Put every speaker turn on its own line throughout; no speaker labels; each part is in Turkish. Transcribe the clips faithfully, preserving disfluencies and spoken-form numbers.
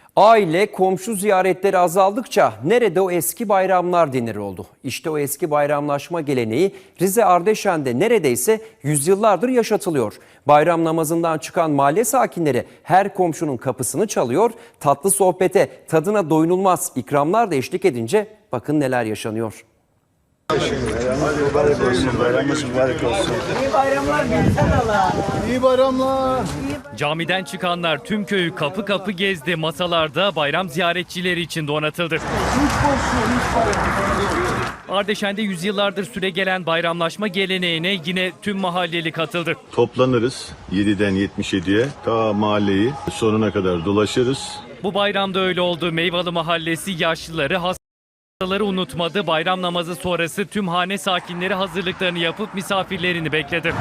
Aile, komşu ziyaretleri azaldıkça nerede o eski bayramlar denir oldu. İşte o eski bayramlaşma geleneği Rize Ardeşen'de neredeyse yüzyıllardır yaşatılıyor. Bayram namazından çıkan mahalle sakinleri her komşunun kapısını çalıyor. Tatlı sohbete, tadına doyulmaz ikramlar da eşlik edince bakın neler yaşanıyor.
Mübarek olsun, bayramımız mübarek olsun.
İyi bayramlar gelsen Allah.
İyi bayramlar.
Camiden çıkanlar tüm köyü kapı kapı gezdi. Masalarda bayram ziyaretçileri için donatıldı. Ardeşen'de yüzyıllardır süregelen bayramlaşma geleneğine yine tüm mahalleli katıldı.
Toplanırız yediden yetmiş yediye ta mahalleyi sonuna kadar dolaşırız.
Bu bayramda öyle oldu. Meyvalı Mahallesi yaşlıları, hastaları unutmadı. Bayram namazı sonrası tüm hane sakinleri hazırlıklarını yapıp misafirlerini bekledi.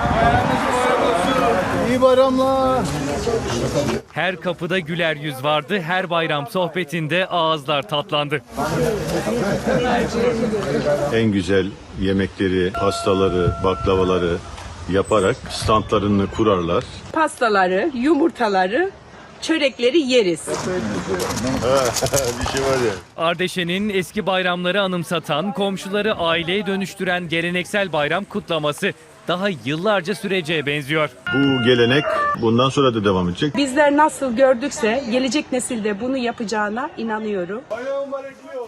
İyi bayramlar.
Her kapıda güler yüz vardı. Her bayram sohbetinde ağızlar tatlandı.
En güzel yemekleri, pastaları, baklavaları yaparak standlarını kurarlar.
Pastaları, yumurtaları, çörekleri yeriz.
Bir şey var ya.
Ardeşen'in eski bayramları anımsatan, komşuları aileye dönüştüren geleneksel bayram kutlaması daha yıllarca süreceğe benziyor.
Bu gelenek bundan sonra da devam edecek.
Bizler nasıl gördükse gelecek nesilde bunu yapacağına inanıyorum.
Bayram mübarek.